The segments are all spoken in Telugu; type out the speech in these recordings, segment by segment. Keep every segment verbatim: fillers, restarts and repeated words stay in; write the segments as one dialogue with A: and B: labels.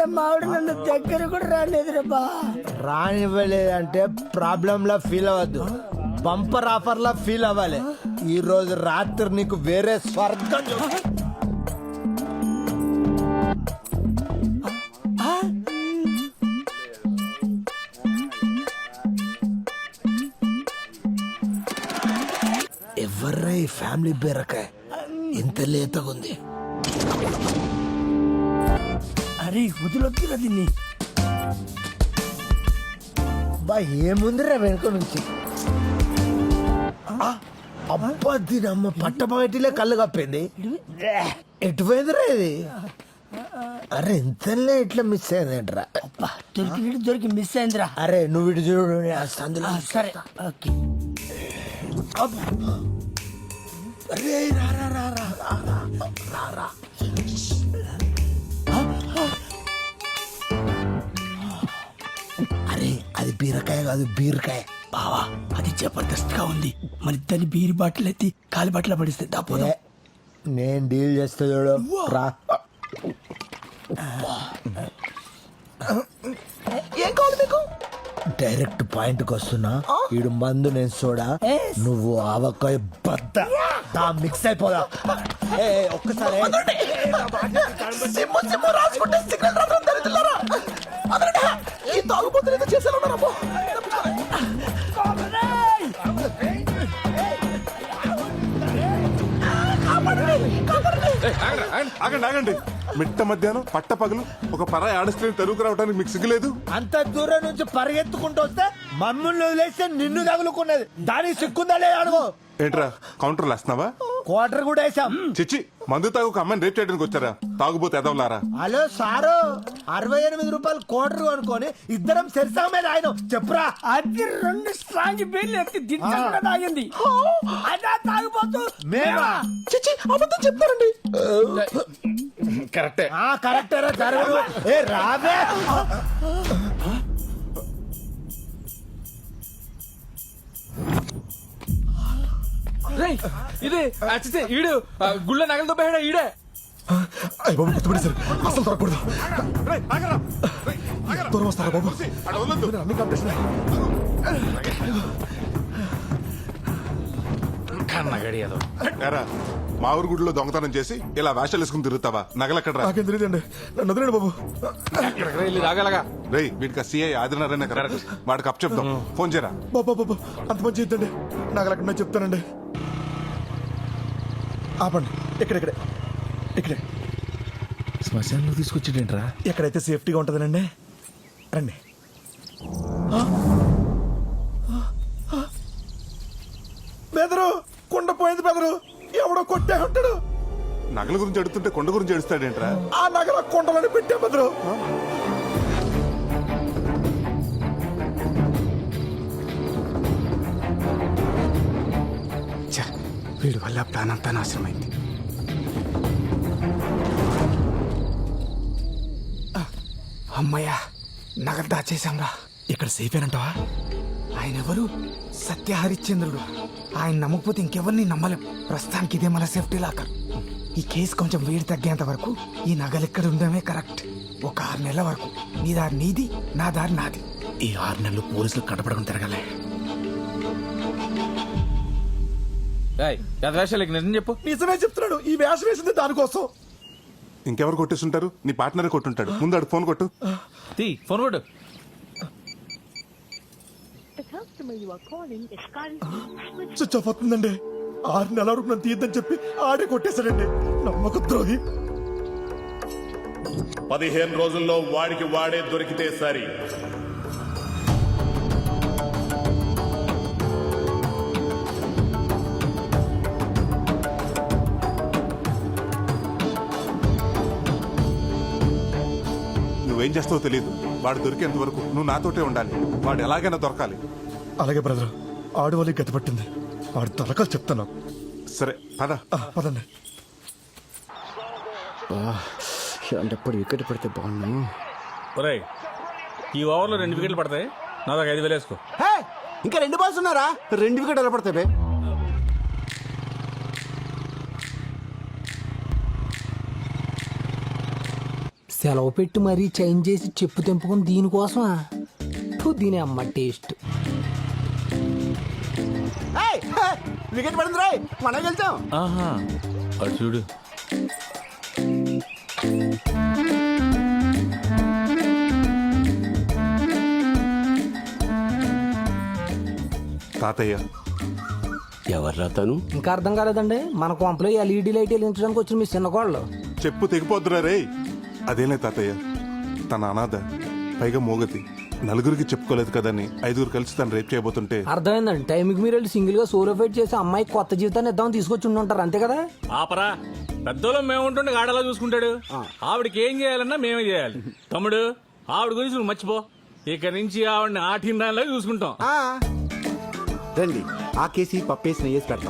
A: మావిడ నన్ను దగ్గర కూడా రాలేదురా బా.
B: రానివ్వలేదంటే ప్రాబ్లం లా ఫీల్ అవ్వద్దు, బంపర్ ఆఫర్ లా ఫీల్ అవ్వాలి. ఈ రోజు రాత్రి నీకు వేరే స్వర్గం చూ- ఎవర్రా ఈ ఫ్యామిలీ బీరకాయ ఇంత లేతగా ఉంది?
A: అరే వదిలొద్దురా దీన్ని.
B: బా ఏముందిరా వెనుక నుంచి? అబ్బా దీని అమ్మ పట్టపగటిలే కళ్ళు కప్పింది. ఎటుపోయిందిరా ఇది? అరే ఇంతలే ఇట్లా మిస్ అయిందేంట్రా?
A: అబ్బా దొరికినట్టు దొరికి మిస్ అయిందిరా.
B: అరే నువ్వు ఇటు చూడు, నేను ఆ సందులో
A: ఆ, సరే ఓకే.
B: అరే రా రా రా రా రా రా రా. అరే అది బీరకాయ కాదు, బీరకాయ.
A: బావా అది జబర్దస్త్ గా ఉంది. మన ఇద్దరిని బీరి బాటిల్ ఎత్తి కాలి బాటిల్ పడిస్తే దాపోదా.
B: ఏ, నేను డీల్ చేస్తా చూడు రా.
A: ఏం కావాలి మీకు?
B: డైరెక్ట్ పాయింట్ కి వస్తున్నా. ఈడు మందు నేను సోడా, నువ్వు ఆవకాయ బద్ద. దా మిక్స్ అయిపోదా. ఏ, ఒక్కసారి
C: ఆగండి ఆగండి మిట్ట మధ్యాహ్నం పట్ట పగలు ఒక పరాయి ఆడస్ట్రీని తరువుకు రావడానికి మీకు సిగ్గులేదు?
B: అంత దూరం నుంచి పరిగెత్తుకుంటూ వస్తే మమ్మల్ని వదిలేస్తే నిన్ను తగులుకున్నది. దానికి సిక్కుందా లేదా అడుగు.
C: ఏంట్రా కౌంటర్లు వేస్తున్నావా?
B: క్వార్టర్ కూడా వేసాం.
C: చిచ్చి మందు తాగు ఒక అమ్మాయిని రేప్ చేయడానికి వచ్చారా? తాగుబోతే ఎదవలారా?
B: హలో సారు, అరవై ఎనిమిది రూపాయలు క్వార్టర్ అనుకొని ఇద్దరం సెరిసామే ఆయన చెప్పురా.
A: అది రెండు స్ట్రాంగ్ బీర్లు ఎత్తి దించకుండా తాగింది. అదా తాగిపోతూ
B: మేమా?
A: చిచ్చి అబద్ధం చెప్తారండి.
C: కరెక్టే.
B: ఆ కరెక్టరా జరగదు. ఏ రాబే.
D: ఇది అచ్చితే ఈడు గుళ్ళ నగలతో పోయాడా ఈడే?
E: అయ్య బాబు గుర్తుపడి సార్, అసలు దొరకకూడదు.
C: రేయ్, ఆగరా. రేయ్, ఆగరా.
E: దూరం వస్తారా బాబు?
C: అక్కడ వదలొద్దు.
E: అన్ని కాంపిటీషన్.
D: కన్నగడి ఏదో.
C: ఏరా, మా ఊరు గుడిలో దొంగతనం చేసి ఇలా వేషాలు వేసుకుని తిరుగుతావా? నగలెక్కడరా?
E: నాకేం తెలియదండి, నన్ను వదిలేండి బాబు.
D: ఎక్కడికి వెళ్ళి తాగలగా?
C: రేయ్ వీడికి సిఐ ఆదినారాయణ కదా, వాడికి అప్ చెప్దాం. ఫోన్ చేయరా.
E: బాబా బాబు అంత మంచి ఇద్దండి, నాకు అక్కడ చెప్తానండి. ఆపండి, ఇక్కడెక్కడే ఇక్కడే
D: శ్మశానంలో తీసుకొచ్చేటేంట్రా?
E: ఎక్కడైతే సేఫ్టీగా ఉంటుందనండి. రండి. బెదరు కుండ పోయింది బెదరు, ఎవడో కొట్టే ఉంటాడు.
C: నగల గురించి అడుగుతుంటే కొండ గురించి అడుస్తాడేంట్రా?
E: ఆ నగల కుండలని పెట్టే బెదరు.
F: వీడి వల్ల ప్లాన్ అంతా నాశనమైంది. అమ్మయ్యా, నగలు దాచేశాంరా.
E: ఇక్కడ సేఫ్ ఏనంటావా?
F: ఆయన ఎవరు? సత్య హరిశ్చంద్రుడు. ఆయన నమ్మకపోతే ఇంకెవరిని నమ్మలేం. ప్రస్తుతానికి ఇదే మన సేఫ్టీ లాకర్. ఈ కేసు కొంచెం వేడి తగ్గేంత వరకు ఈ నగలు ఇక్కడ ఉండడమే కరెక్ట్. ఒక ఆరు నెలల వరకు నీ దారి నీది, నా దారి నాది.
E: ఈ ఆరు నెలలు పోలీసులు కనపడకుండా తిరగలే.
D: వేషాలకి నిజం చెప్పు.
E: నిజమే చెప్తున్నాడు, ఈ వేషం వేసింది దానికోసం.
C: ఇంకెవరు కొట్టేస్తుంటారు? నీ పార్ట్నరే కొట్టుంటాడు. ముందు అడు ఫోన్ కొట్టు.
D: తీ ఫోన్ కొట్టు.
E: స్విచ్ ఆఫ్ అవుతుందండి. ఆరు నెలల వరకు నన్ను తీయద్దని చెప్పి ఆడే కొట్టేశాడండి, నమ్మక ద్రోహి.
G: పదిహేను రోజుల్లో వాడికి వాడే దొరికితే సరి.
C: నువ్వేం చేస్తావో తెలియదు. వాడు దొరికేంత వరకు నువ్వు నాతోటే ఉండాలి. వాడు ఎలాగైనా దొరకాలి.
E: అలాగే బ్రదర్, ఆడు వాళ్ళకి గతి పట్టింది. ఆడు తలకాలు చెప్తాను.
C: సరే పద.
E: ఆ, పదండి.
F: ఇలాంటప్పుడు వికెట్ పడితే బాగున్నాను.
D: ఒరేయ్, ఈ ఓవర్లో రెండు వికెట్లు పడతాయి. నా దాకా ఐదు వేలు వేసుకో.
F: ఇంకా రెండు బాల్స్ ఉన్నారా? రెండు వికెట్ ఎలా పడతాయి? సెలవు పెట్టి మరీ చేంజ్ చేసి చెప్పు తెంపుకుని దీనికోసమా ఫు, దీని అమ్మ టేస్ట్.
E: వికెట్ పడింది రాయ్, మనం వెళ్తాం.
D: ఆహా అటు చూడు.
C: తాతయ్య
H: ఎవర్రా తను?
F: ఇంకా అర్థం కాలేదండి, మన కొంపలో ఎల్ఈడి లైట్ వెలిగించడానికి వచ్చిన మీ చిన్న కోళ్ళు.
C: చెప్పు తెగిపోద్దురా రే. అదేలే తాతయ్య, తన అనాథ, పైగా మోగతి, నలుగురికి చెప్పుకోలేదు కదని ఐదుగురు కలిసి తను రేప్ చేయబోతుంటే.
F: అర్థమైందండి, టైంకి మీరు వెళ్ళి సింగిల్ గా సోలో ఫైట్ చేసి అమ్మాయి కొత్త జీవితాన్ని ఇద్దామని తీసుకొచ్చి ఉండి ఉంటారు, అంతే కదా?
D: ఆపరా, పెద్దోళ్ళం మేము ఉంటుండే గాడలా చూసుకుంటాడు. ఆవిడకి ఏం చేయాలన్నా మేమే చేయాలి. తమ్ముడు, ఆవిడ గురించి నువ్వు మర్చిపో. ఇక నుంచి ఆవిడని ఆటిండాలో చూసుకుంటాం.
E: రండి, ఆ కేసి పప్పేసి నెయ్యేసి పెడతాం.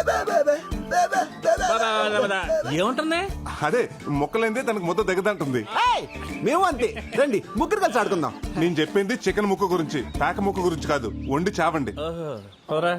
D: పద, పద, పద. ఏముంటుంది?
C: అదే మొక్కలైందే తనకు మొత్తం దగ్గదంటుంది.
E: మేము అంతే, రండి ముగ్గురు కలిసి ఆడుకుందాం.
C: నేను చెప్పింది చికెన్ ముక్క గురించి, పేక ముక్క గురించి కాదు. వండి చావండి.
D: ఓహో, పదరా.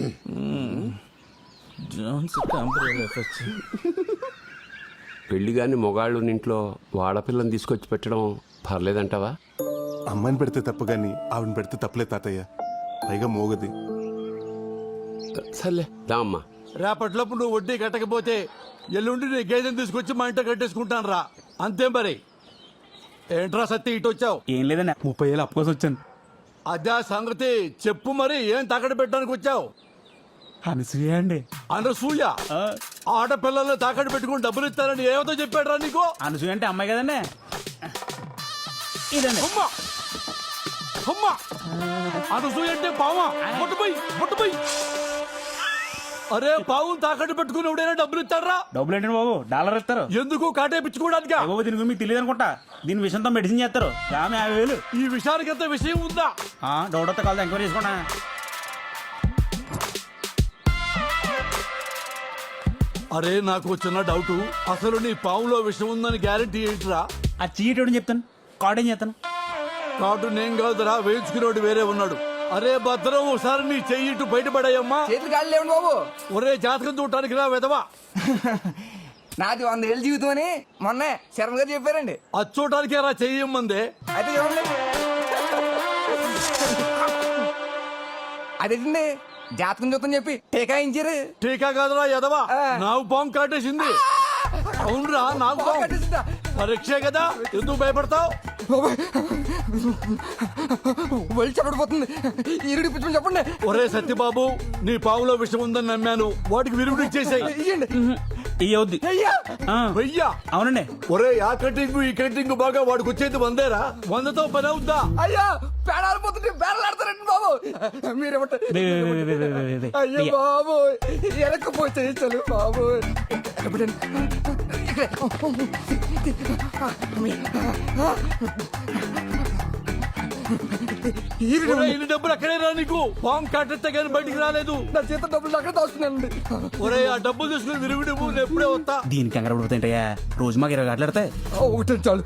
D: జోన్స్ టెంపరీ ఎఫెక్ట్స్.
H: పెళ్లి గాని మొగాళ్ళు ఇంట్లో వాడపిల్లని తీసుకొచ్చి పెట్టడం పర్లేదంటావా?
C: అమ్మాయిని పెడితే తప్పు గాని ఆవిడని పెడితే తప్పులే తాతయ్య, పైగా మోగది.
H: సర్లే దా అమ్మా.
I: రేపటిలోపు నువ్వు వడ్డీ కట్టకపోతే ఎల్లుండి నీ గేదెని తీసుకొచ్చి మా ఇంట కట్టేసుకుంటాను రా. అంతే మరి. ఏంట్రా సత్తి ఇటు వచ్చావు?
D: ఏం లేదన్నా, ముప్పై ఏళ్ళు అప్పు కోసం వచ్చాను.
I: అదే సంగతి చెప్పు మరి, ఏం తాకట్టు పెట్టడానికి వచ్చావు?
D: అనసూయ అండి.
I: అనసూయ ఆడపిల్లల్ని తాకట్టు పెట్టుకుని డబ్బులు ఇస్తానని ఏమతో చెప్పాడు రా నీకు?
D: అనసూయ అంటే అమ్మాయి కదండి. ఇదండి.
I: అమ్మా అమ్మా, అనసూయ అంటే పావా? ముట్టుపోయి ముట్టుపోయి. అరే, పావు తాకట్టు పెట్టుకుని ఎవడైనా డబ్బులు ఇస్తాడరా?
D: డబ్బులు ఏంటండి బాబు, డాలర్ ఇస్తారు.
I: ఎందుకు కాటేపించుకోవడానికి?
D: బాబు దీని గురించి మీకు తెలియదు అనుకుంటా. దీని విషయంతో మెడిసిన్ చేస్తారు. ఆమె యాభై వేలు.
I: ఈ విషయానికి ఎంత విషయం ఉందా?
D: డౌట్ వస్తే కాదు, ఎంక్వైరీ చేసుకుంటా.
I: అరే, నాకు చిన్న డౌట్. అసలు నీ పావులో విషయం ఉందని గ్యారెంటీ ఏంటిరా?
D: ఆ చీటి చెప్తాను, కార్డ్ ఏం చేస్తాను.
I: కాటు నేను కాదురా, వేయించుకునేవాడు వేరే ఉన్నాడు. అరే భద్రం, ఒకసారి నీ చెయ్యి ఇటు బయటపడాయమ్మా.
F: చేతులు కాళ్ళు లేవండి బాబు.
I: ఒరే, జాతకం చూడటానికి రా వెదవా.
F: నాది వంద ఏళ్ళ జీవితం అని మొన్నే శర్మ గారు చెప్పారండి.
I: అది చూడటానికే రా చెయ్యమ్మందే.
F: అయితే చూడండి, అదేండి జాతకం చూద్దాం చెప్పి టీకాయించారు.
I: టీకా కాదురా ఎదవా, నాకు పాము కాటేసింది. అవునరా, నాకు పాము. పరీక్షే కదా, ఎందుకు భయపడతావు?
F: వెళ్ళి చెప్పడిపోతుంది, ఈరుడి పిచ్చి చెప్పండి.
I: ఒరే సత్యబాబు, నీ పావులో విషయం ఉందని నమ్మాను, వాటికి విరుగుడు ఇచ్చేసాయి.
D: ఇయ్యవుద్ది.
I: వెయ్యా?
D: అవునండి.
I: ఒరే, ఆ కటింగ్ ఈ కటింగ్ బాగా వాడికి వచ్చేది వందేరా. వందతో పని అవుద్దా?
F: అయ్యా, పేడాలిపోతుంటే బేడలాడతారండి బాబు. మీరేమంటారు? అయ్యో బాబు, ఎనకపోతే చలు బాబు.
I: ఒరే, ఇన్ని డబ్బులు అక్కడే రా నీకు. పాము కాటెత్తే కానీ బయటికి రాలేదు.
F: నా చేత డబ్బులు అక్కడ దాస్తున్నానండి.
I: ఒరే, ఆ డబ్బులు తీసుకుని విరుగుడు నేను ఎప్పుడే వస్తా.
D: దీనికి కంగారు పడిపోతాయంటయ్యా, రోజు మాకు ఇరవై గంటలు ఆడతాయి.
F: ఒకటి చాలు,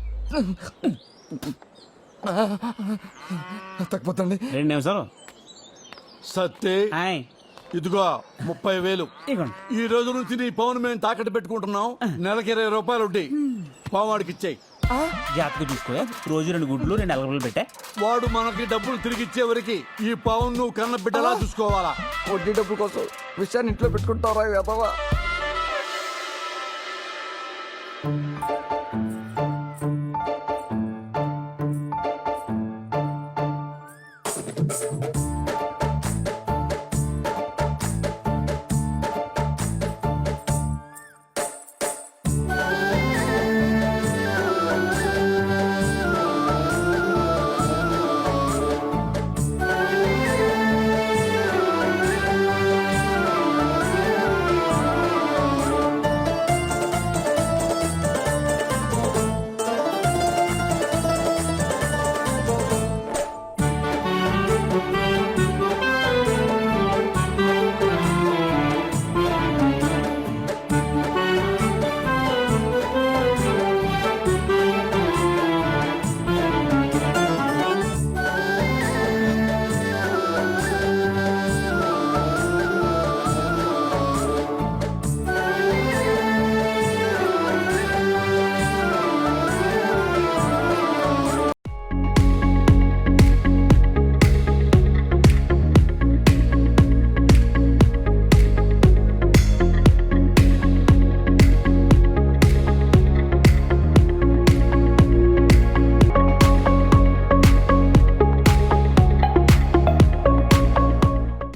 F: తగ్గిపోతండి.
D: రెండు నిమిషాలు.
I: సత్తే,
D: హాయ్.
I: ఇదిగో ముప్పై వేలు.
D: ఇదిగోండి.
I: ఈ రోజు నుంచి నీ పవన్ మేము తాకట్టు పెట్టుకుంటున్నాం. నెలకి ఇరవై రూపాయలు ఉంటాయి. పావాడికి ఇచ్చాయి.
D: జాతకు చూసుకో, రోజు రెండు గుడ్లు రెండు అలగలు పెట్టా.
I: వాడు మనకి డబ్బులు తిరిగి ఇచ్చే వరకు ఈ పవన్ నువ్వు కన్న బిడ్డలా చూసుకోవాలా.
F: వడ్డీ డబ్బుల కోసం విషయాన్ని ఇంట్లో పెట్టుకుంటారా?